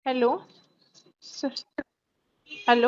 Hello sir. Hello.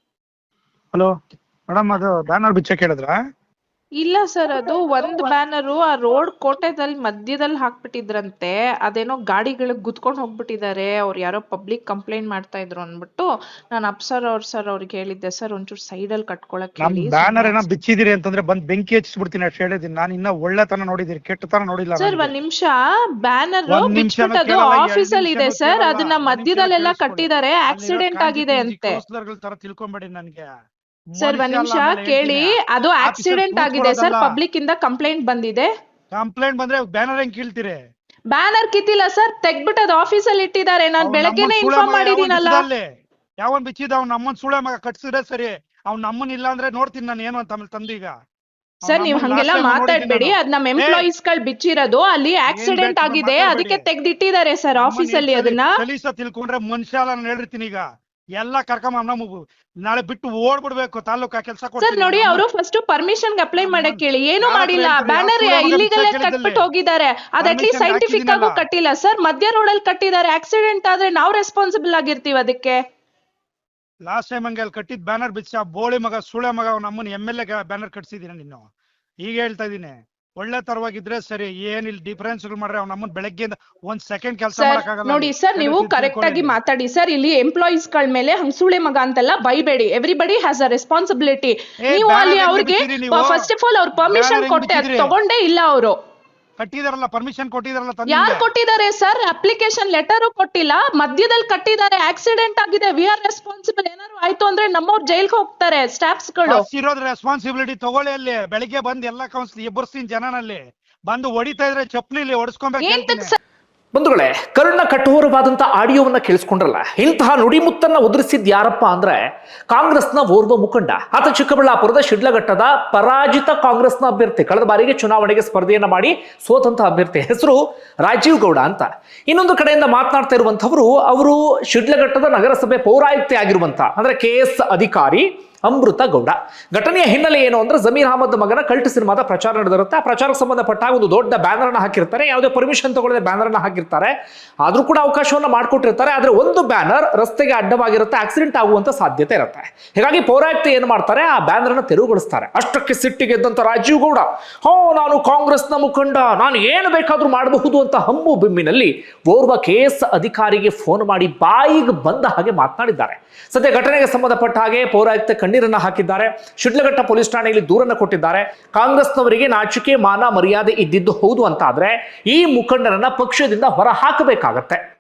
Hello madam, ಅದು banner ಬಿಚ್ಚಕ್ಕೆ ಹೇಳಿದ್ರಾ? ಇಲ್ಲ ಸರ್, ಅದು ಒಂದು ಬ್ಯಾನರು ಆ ರೋಡ್ ಕೋಟೆದಲ್ಲಿ ಮಧ್ಯದಲ್ಲಿ ಹಾಕ್ಬಿಟ್ಟಿದ್ರಂತೆ. ಅದೇನೋ ಗಾಡಿಗಳಿಗೆ ಗುದ್ಕೊಂಡು ಹೋಗ್ಬಿಟ್ಟಿದ್ದಾರೆ. ಅವ್ರು ಯಾರೋ ಪಬ್ಲಿಕ್ ಕಂಪ್ಲೇಂಟ್ ಮಾಡ್ತಾ ಇದ್ರು ಅಂದ್ಬಿಟ್ಟು ನಾನು ಅಪ್ಸರ್ ಅವ್ರಿಗೆ ಹೇಳಿದ್ದೆ ಸರ್, ಒಂಚೂರು ಸೈಡಲ್ಲಿ ಕಟ್ಕೊಳಕ್ ನಮ್ ಹೇಳಿ. ಬ್ಯಾನರ್ ಏನೋ ಬಿಚ್ಚಿದಿರಿ ಅಂತಂದ್ರೆ ಬಂದ್ ಬೆಂಕಿ ಹಚ್ಚಿಸ್ಬಿಡ್ತೀನಿ ಅಷ್ಟು ಹೇಳಿದೀನಿ. ನಾನು ಇನ್ನ ಒಳ್ಳೆತನ ನೋಡಿದೀನಿ, ಕೆಟ್ಟತನ ನೋಡಿಲ್ಲ. ಸರ್ ಒಂದ್ ನಿಮಿಷ, ಬ್ಯಾನರ್ ಒಂದ್ ನಿಮಿಷನೂ ಬಿಚ್ಬಿಟ್ಟದು ಕೇಳಲ್ಲ, ಆಫೀಸಲ್ಲಿ ಇದೆ ನಿಮಿಷನೂ ಸರ್, ಕೇಳಲ್ಲ. ಅದನ್ನ ಒಂದ್ ನಿಮಿಷ ಮಧ್ಯದಲ್ಲೆಲ್ಲ ಕೇಳಿಸ್ಕೊಳ್ಳಿ. ಕಟ್ಟಿದ್ದಾರೆ, ಅಲ್ಲಿರೋ ಆಕ್ಸಿಡೆಂಟ್ ಕಾಂಜಿ ಆಗಿದೆ ಪಿಂಜಿ ಅಂತೆ. ಕೌನ್ಸಿಲರ್ಗಳ ತರ ತಿಳ್ಕೊಂಬೇಡಿ ನನ್ಗೆ. ಸರ್ ಒಂದ್ ನಿಮಿಷ ಕೇಳಿ, ಅದು ಆಕ್ಸಿಡೆಂಟ್ ಆಗಿದೆ ಸರ್, ಪಬ್ಲಿಕ್ ಇಂದ ಕಂಪ್ಲೇಂಟ್ ಬಂದಿದೆ. ಕಂಪ್ಲೇಂಟ್ ಬಂದ್ರೆ ಬ್ಯಾನರ್ ಹೆಂಗ್ ಕೀಳ್ತೀರಿ? ಬ್ಯಾನರ್ ಕಿತ್ತಿಲ್ಲ ಸರ್, ತೆಗ್ಬಿಟ್ಟು ಅದು ಆಫೀಸಲ್ಲಿ ಇಟ್ಟಿದ್ದಾರೆ. ನಾನು ಬೆಳಗ್ಗೆನೆ ಇನ್ಫಾರ್ಮ್ ಮಾಡಿದೀನಲ್ಲ. ಯಾವನ್ ಬಿಚ್ಚಿದ ಅವ್ನ ನಮ್ಮನ್ ಸುಳೆ ಮಗ ಕಟ್ಸಿದ್ರೆ ಸರಿ. ಅವ್ನ ನಮ್ಮನ್ ಇಲ್ಲ ಅಂದ್ರೆ ನೋಡ್ತೀನಿ ನಾನು ಏನು ಅಂತ ಆಮೇಲೆ ತಂದೀಗ. ಸರ್ ನೀವ್ ಹಂಗೆಲ್ಲ ಮಾತಾಡ್ಬೇಡಿ, ಅದ್ ನಮ್ ಎಂಪ್ಲಾಯೀಸ್ ಗಳು ಬಿಚ್ಚಿರೋದು, ಅಲ್ಲಿ ಆಕ್ಸಿಡೆಂಟ್ ಆಗಿದೆ, ಅದಕ್ಕೆ ತೆಗ್ದಿಟ್ಟಿದ್ದಾರೆ ಸರ್ ಆಫೀಸಲ್ಲಿ. ಅದನ್ನ ಕಲೀಸ ತಿಳ್ಕೊಂಡ್ರೆ ಮನುಷ್ಯ ಅಲ್ಲ, ನಾನು ಹೇಳಿರ್ತೀನಿ ಈಗ. ಎಲ್ಲ ಕರ್ಕೊಂಡ್ ನಾಳೆ ಬಿಟ್ಟು ಓಡ್ಬಿಡ್ಬೇಕು ತಾಲೂಕಾ ಕೆಲಸ. ಸರ್ ನೋಡಿ, ಅವರು ಫಸ್ಟ್ ಪರ್ಮಿಷನ್ ಅಪ್ಲೈ ಮಾಡಕ್ ಹೇಳಿ, ಏನು ಮಾಡಿಲ್ಲ. ಬ್ಯಾನರ್ ಇಲ್ಲಿಗಲ್ ಕಟ್ಬಿಟ್ಟು ಹೋಗಿದ್ದಾರೆ. ಅದ್ ಅಟ್ಲೀಸ್ಟ್ ಸೈಂಟಿಫಿಕ್ ಆಗು ಕಟ್ಟಿಲ್ಲ ಸರ್, ಮಧ್ಯ ರೋಡ್ ಅಲ್ಲಿ ಕಟ್ಟಿದ್ದಾರೆ. ಆಕ್ಸಿಡೆಂಟ್ ಆದ್ರೆ ನಾವು ರೆಸ್ಪಾನ್ಸಿಬಲ್ ಆಗಿರ್ತೀವಿ ಅದಕ್ಕೆ. ಲಾಸ್ಟ್ ಟೈಮ್ ಹಂಗೆ ಅಲ್ಲಿ ಕಟ್ಟಿದ್ ಬ್ಯಾನರ್ ಬಿಚ್ಚ ಬೋಳಿ ಮಗ ಸುಳೆ ಮಗ ಅವ್ನ ನಮ್ಮನ್ MLA ಬ್ಯಾನರ್ ಕಟ್ಸಿದೀನಿ ನೀನು. ಈಗ ಹೇಳ್ತಾ ಇದೀನಿ, ಒಳ್ಳೆ ತರವಾಗಿದ್ರೆ ಸರಿ. ಏನ್ ಇಲ್ಲಿ ಡಿಫರೆನ್ಸ್ ಮಾಡ್ರೆ ಅವ್ನ ನಮ್ಮನ್ ಬೆಳಗ್ಗೆಯಿಂದ ಒಂದ್ ಸೆಕೆಂಡ್ ಕೆಲಸ ಮಾಡಕ್ಕಾಗಲ್ಲ. ನೋಡಿ ಸರ್, ನೀವು ಕರೆಕ್ಟ್ ಆಗಿ ಮಾತಾಡಿ ಸರ್. ಇಲ್ಲಿ ಎಂಪ್ಲಾಯೀಸ್ ಗಳ ಮೇಲೆ ಹಂಗ್ ಸುಳೆ ಮಗ ಅಂತೆಲ್ಲ ಬೈಬೇಡಿ. Everybody has a responsibility. ನೀವು ಅಲ್ಲಿ ಅವ್ರಿಗೆ ಫಸ್ಟ್ ಆಫ್ ಆಲ್ ಅವ್ರ ಪರ್ಮಿಷನ್ ಕೊಟ್ಟೆ, ತಗೊಂಡೇ ಇಲ್ಲ ಅವರು. ಕಟ್ಟಿದಾರಲ್ಲ, ಪರ್ಮಿಷನ್ ಕೊಟ್ಟಿದಾರಲ್ಲ. ಯಾರು ಕೊಟ್ಟಿದ್ದಾರೆ ಸರ್? ಅಪ್ಲಿಕೇಶನ್ ಲೆಟರ್ ಕೊಟ್ಟಿಲ್ಲ, ಮಧ್ಯದಲ್ಲಿ ಕಟ್ಟಿದ್ದಾರೆ. ಆಕ್ಸಿಡೆಂಟ್ ಆಗಿದೆ, ವಿ ಆರ್ ರೆಸ್ಪಾನ್ಸಿಬಲ್. ಏನಾದ್ರು ಆಯ್ತು ಅಂದ್ರೆ ನಮ್ಮವ್ರು ಜೈಲ್ಗೆ ಹೋಗ್ತಾರೆ ಸ್ಟಾಫ್ಸ್ ಗಳು. ಇರೋದ್ ರೆಸ್ಪಾನ್ಸಿಬಿಲಿಟಿ ತಗೊಳ್ಳಿ. ಅಲ್ಲಿ ಬೆಳಿಗ್ಗೆ ಬಂದ್ ಎಲ್ಲಾ ಕೌನ್ಸಿಲ್ ಎಬ್ಬರ್ಸ್ತೀನಿ ಜನನಲ್ಲಿ. ಬಂದು ಹೊಡಿತಾ ಇದ್ರೆ ಚಪ್ಲಿಲಿ ಹೊಡಿಸ್ಕೊಬೇಕು. ಬಂಧುಗಳೇ, ಕರ್ಣ ಕಠೋರವಾದಂಥ ಆಡಿಯೋವನ್ನ ಕೇಳಿಸ್ಕೊಂಡ್ರಲ್ಲ. ಇಂತಹ ನುಡಿಮುತ್ತನ್ನ ಉದುರಿಸಿದ್ ಯಾರಪ್ಪ ಅಂದ್ರೆ ಕಾಂಗ್ರೆಸ್ನ ಓರ್ವ ಮುಖಂಡ. ಆತ ಚಿಕ್ಕಬಳ್ಳಾಪುರದ ಶಿಡ್ಲಘಟ್ಟದ ಪರಾಜಿತ ಕಾಂಗ್ರೆಸ್ನ ಅಭ್ಯರ್ಥಿ. ಕಳೆದ ಬಾರಿಗೆ ಚುನಾವಣೆಗೆ ಸ್ಪರ್ಧೆಯನ್ನ ಮಾಡಿ ಸೋತಂತ ಅಭ್ಯರ್ಥಿ. ಹೆಸರು ರಾಜೀವ್ ಗೌಡ ಅಂತ. ಇನ್ನೊಂದು ಕಡೆಯಿಂದ ಮಾತನಾಡ್ತಾ ಇರುವಂತವರು, ಅವರು ಶಿಡ್ಲಘಟ್ಟದ ನಗರಸಭೆ ಪೌರಾಯುಕ್ತೆ ಆಗಿರುವಂತ ಅಂದ್ರೆ KS ಅಧಿಕಾರಿ ಅಮೃತ ಗೌಡ. ಘಟನೆಯ ಹಿನ್ನೆಲೆ ಏನು ಅಂದ್ರೆ, ಜಮೀರ್ ಅಹಮದ್ ಮಗನ ಕಲ್ಟ್ ಸಿನಿಮಾದ ಪ್ರಚಾರ ನಡೆದಿರುತ್ತೆ. ಆ ಪ್ರಚಾರಕ್ಕೆ ಸಂಬಂಧಪಟ್ಟಾಗ ಒಂದು ದೊಡ್ಡ ಬ್ಯಾನರ್ ಅನ್ನ ಹಾಕಿರ್ತಾರೆ. ಯಾವುದೇ ಪರ್ಮಿಷನ್ ತಗೊಳ್ಳದೆ ಬ್ಯಾನರ್ ಅನ್ನ ಹಾಕಿರ್ತಾರೆ. ಆದ್ರೂ ಕೂಡ ಅವಕಾಶವನ್ನ ಮಾಡ್ಕೊಟ್ಟಿರ್ತಾರೆ. ಆದ್ರೆ ಒಂದು ಬ್ಯಾನರ್ ರಸ್ತೆಗೆ ಅಡ್ಡವಾಗಿರುತ್ತೆ, ಆಕ್ಸಿಡೆಂಟ್ ಆಗುವಂತ ಸಾಧ್ಯತೆ ಇರುತ್ತೆ. ಹೀಗಾಗಿ ಪೌರಾಯುಕ್ತ ಏನು ಮಾಡ್ತಾರೆ, ಆ ಬ್ಯಾನರ್ ಅನ್ನ ತೆರವುಗೊಳಿಸ್ತಾರೆ. ಅಷ್ಟಕ್ಕೆ ಸಿಟ್ಟಿಗೆದ್ದಂತ ರಾಜೀವ್ ಗೌಡ, ನಾನು ಕಾಂಗ್ರೆಸ್ನ ಮುಖಂಡ, ನಾನು ಏನು ಬೇಕಾದ್ರೂ ಮಾಡಬಹುದು ಅಂತ ಹಮ್ಮು ಬಿಮ್ಮಿನಲ್ಲಿ ಓರ್ವ KS ಅಧಿಕಾರಿಗೆ ಫೋನ್ ಮಾಡಿ ಬಾಯಿಗೆ ಬಂದ ಹಾಗೆ ಮಾತನಾಡಿದ್ದಾರೆ. ಸದ್ಯ ಘಟನೆಗೆ ಸಂಬಂಧಪಟ್ಟ ಹಾಗೆ ಪೌರಾಯುಕ್ತ ಕಣ್ಣೀರನ್ನ ಹಾಕಿದ್ದಾರೆ. ಶಿಡ್ಲಘಟ್ಟ ಪೊಲೀಸ್ ಠಾಣೆಯಲ್ಲಿ ದೂರನ್ನ ಕೊಟ್ಟಿದ್ದಾರೆ. ಕಾಂಗ್ರೆಸ್ನವರಿಗೆ ನಾಚಿಕೆ ಮಾನ ಮರ್ಯಾದೆ ಇದ್ದಿದ್ದು ಹೌದು ಅಂತ ಆದ್ರೆ ಈ ಮುಖಂಡರನ್ನ ಪಕ್ಷದಿಂದ ಹೊರ ಹಾಕಬೇಕಾಗತ್ತೆ.